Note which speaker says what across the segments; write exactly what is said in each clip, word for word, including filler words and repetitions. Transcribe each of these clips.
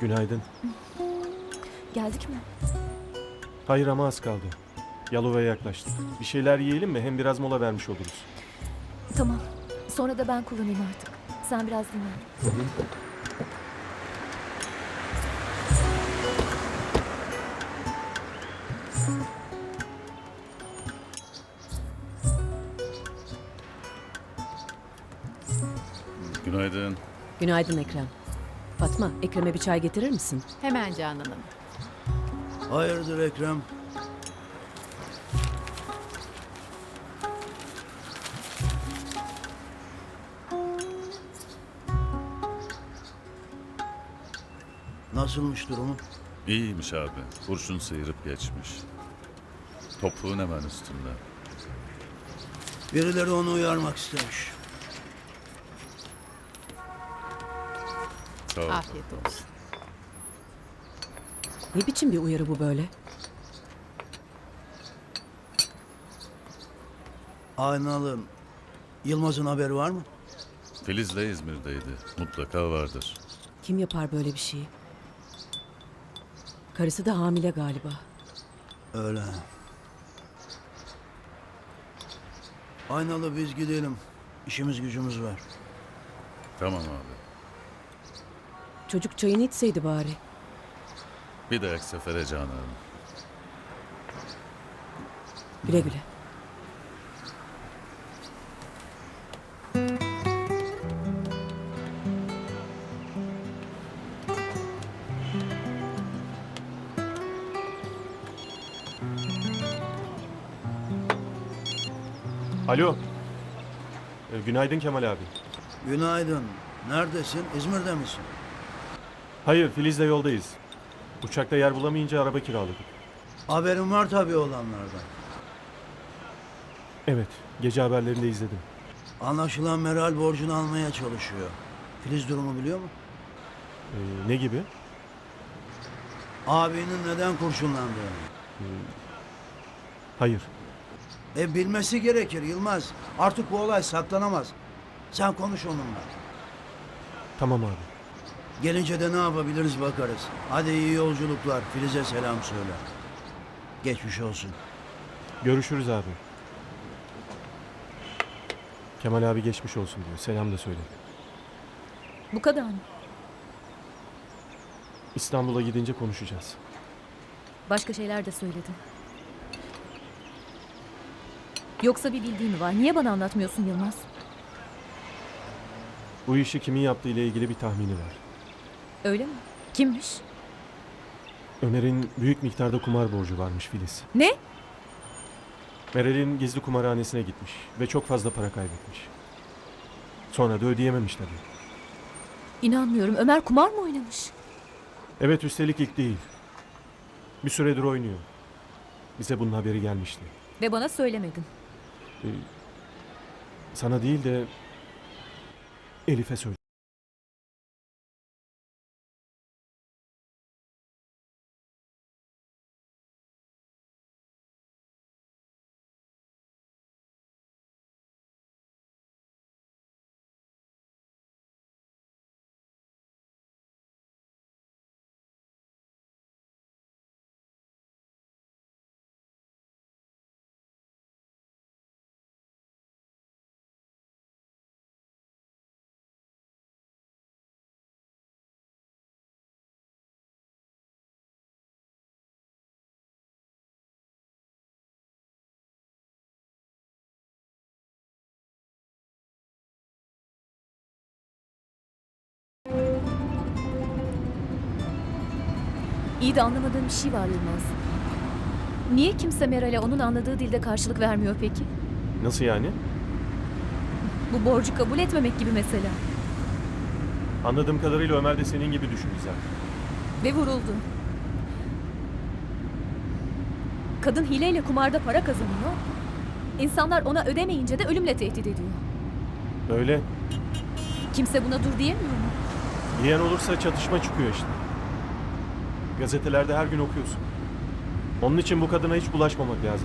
Speaker 1: Günaydın.
Speaker 2: Geldik mi?
Speaker 1: Hayır ama az kaldı. Yalova'ya yaklaştık. Bir şeyler yiyelim mi? Hem biraz mola vermiş oluruz.
Speaker 2: Tamam. Sonra da ben kullanayım artık. Sen biraz dinlen.
Speaker 3: Günaydın.
Speaker 4: Günaydın Ekrem. Fatma, Ekrem'e bir çay getirir misin?
Speaker 5: Hemen Canan Hanım.
Speaker 6: Hayırdır Ekrem? Nasılmış durumu?
Speaker 3: İyiymiş abi. Kurşun sıyırıp geçmiş. Topuğun hemen üstünde.
Speaker 6: Birileri onu uyarmak istemiş.
Speaker 3: Sağ ol.
Speaker 5: Afiyet olsun.
Speaker 4: Ne biçim bir uyarı bu böyle?
Speaker 6: Aynalı, Yılmaz'ın haberi var mı?
Speaker 3: Filiz de İzmir'deydi. Mutlaka vardır.
Speaker 4: Kim yapar böyle bir şeyi? Karısı da hamile galiba.
Speaker 6: Öyle. Aynalı biz gidelim. İşimiz gücümüz var.
Speaker 3: Tamam abi.
Speaker 4: Çocuk çayını içseydi bari.
Speaker 3: Bir dahaki sefere Canan Hanım.
Speaker 4: Güle güle.
Speaker 1: Alo. Ee, günaydın Kemal abi.
Speaker 6: Günaydın. Neredesin? İzmir'de misin?
Speaker 1: Hayır, Filiz'le yoldayız. Uçakta yer bulamayınca araba kiraladık.
Speaker 6: Haberim var tabii olanlardan.
Speaker 1: Evet, gece haberlerinde izledim.
Speaker 6: Anlaşılan Meral borcunu almaya çalışıyor. Filiz durumu biliyor mu?
Speaker 1: Ee, ne gibi?
Speaker 6: Abinin neden kurşunlandığını.
Speaker 1: Hayır.
Speaker 6: E bilmesi gerekir Yılmaz. Artık bu olay saklanamaz. Sen konuş onunla.
Speaker 1: Tamam abi.
Speaker 6: Gelince de ne yapabiliriz bakarız. Hadi iyi yolculuklar. Filiz'e selam söyle. Geçmiş olsun.
Speaker 1: Görüşürüz abi. Kemal abi geçmiş olsun diyor. Selam da söyle.
Speaker 2: Bu kadar mı?
Speaker 1: İstanbul'a gidince konuşacağız.
Speaker 2: Başka şeyler de söyledi. Yoksa bir bildiğin mi var? Niye bana anlatmıyorsun Yılmaz?
Speaker 1: Bu işi kimin yaptığı ile ilgili bir tahmini var.
Speaker 2: Öyle mi? Kimmiş?
Speaker 1: Ömer'in büyük miktarda kumar borcu varmış Filiz.
Speaker 2: Ne?
Speaker 1: Meral'in gizli kumarhanesine gitmiş ve çok fazla para kaybetmiş. Sonra da ödeyememiş tabii.
Speaker 2: İnanmıyorum. Ömer kumar mı oynamış?
Speaker 1: Evet, üstelik ilk değil. Bir süredir oynuyor. Bize bunun haberi gelmişti.
Speaker 2: Ve bana söylemedin.
Speaker 1: Ee, sana değil de Elif'e söyle.
Speaker 2: İyi de anlamadığım bir şey var Yılmaz. Niye kimse Meral'e onun anladığı dilde karşılık vermiyor peki?
Speaker 1: Nasıl yani?
Speaker 2: Bu borcu kabul etmemek gibi mesela.
Speaker 1: Anladığım kadarıyla Ömer de senin gibi düşündü zaten.
Speaker 2: Ve vuruldu. Kadın hileyle kumarda para kazanıyor. İnsanlar ona ödemeyince de ölümle tehdit ediyor.
Speaker 1: Öyle.
Speaker 2: Kimse buna dur diyemiyor mu?
Speaker 1: Yiyen olursa çatışma çıkıyor işte. Gazetelerde her gün okuyorsun. Onun için bu kadına hiç bulaşmamak lazım.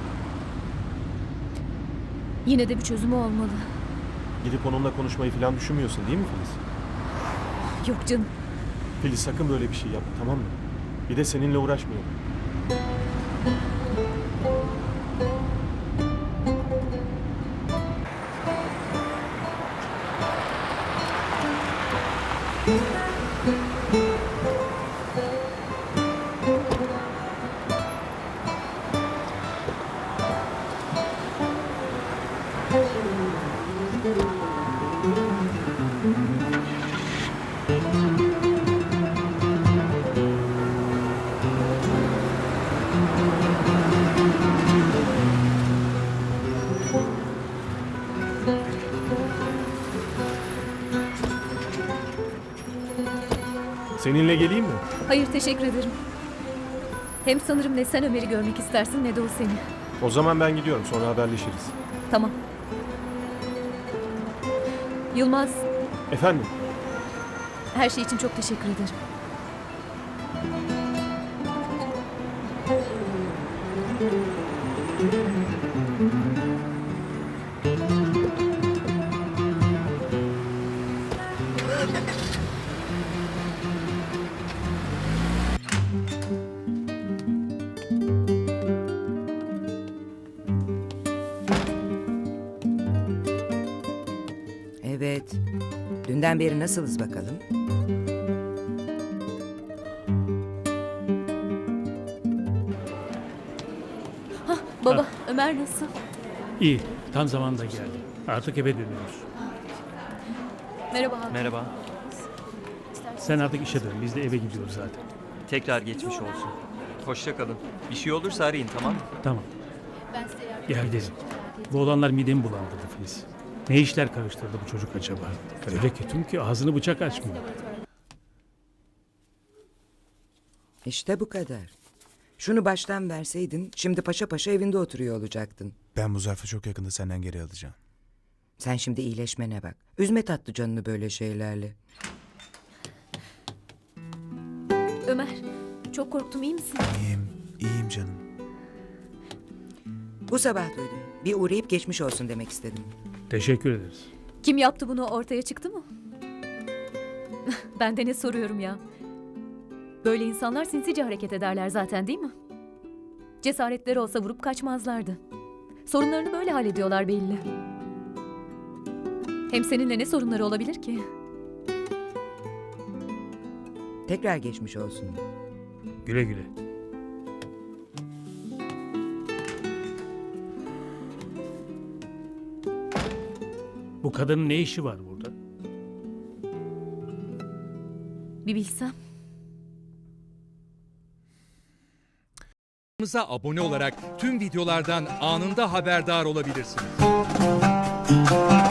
Speaker 2: Yine de bir çözümü olmalı.
Speaker 1: Gidip onunla konuşmayı falan düşünmüyorsun değil mi Filiz?
Speaker 2: Yok canım.
Speaker 1: Filiz sakın böyle bir şey yapma, tamam mı? Bir de seninle uğraşmayalım. Seninle geleyim mi?
Speaker 2: Hayır, teşekkür ederim. Hem sanırım ne sen Ömer'i görmek istersin ne de o seni.
Speaker 1: O zaman ben gidiyorum, sonra haberleşiriz.
Speaker 2: Tamam. Yılmaz,
Speaker 1: Efendim?
Speaker 2: her şey için çok teşekkür ederim.
Speaker 5: Evet. Dünden beri nasılız bakalım?
Speaker 2: Baba, Ömer nasıl?
Speaker 7: İyi, tam zamanında geldi. Artık eve dönüyoruz.
Speaker 2: Merhaba Hakan.
Speaker 8: Merhaba.
Speaker 7: Sen artık işe dön, biz de eve gidiyoruz zaten.
Speaker 8: Tekrar geçmiş olsun. Hoşça kalın. Bir şey olursa arayın, tamam mı?
Speaker 7: Tamam, gel gidelim. Bu olanlar midemi bulandırdı Filiz. Ne işler karıştırdı bu çocuk acaba? Öyle kötü ki ağzını bıçak açmıyor.
Speaker 5: İşte bu kadar. Şunu baştan verseydin şimdi paşa paşa evinde oturuyor olacaktın.
Speaker 9: Ben bu zarfı çok yakında senden geri alacağım.
Speaker 5: Sen şimdi iyileşmene bak. Üzme tatlı canını böyle şeylerle.
Speaker 2: Ömer, çok korktum, iyi misin?
Speaker 9: İyiyim, iyiyim canım.
Speaker 5: Bu sabah duydum. Bir uğrayıp geçmiş olsun demek istedim.
Speaker 7: Teşekkür ederiz.
Speaker 2: Kim yaptı bunu, ortaya çıktı mı? Ben de ne soruyorum ya? Böyle insanlar sinsice hareket ederler zaten, değil mi? Cesaretleri olsa vurup kaçmazlardı. Sorunlarını böyle hallediyorlar belli. Hem seninle ne sorunları olabilir ki?
Speaker 5: Tekrar geçmiş olsun.
Speaker 7: Güle güle. Bu kadının ne işi var burada?
Speaker 2: Bir bilsem.
Speaker 10: Kanalımıza abone olarak tüm videolardan anında haberdar olabilirsiniz.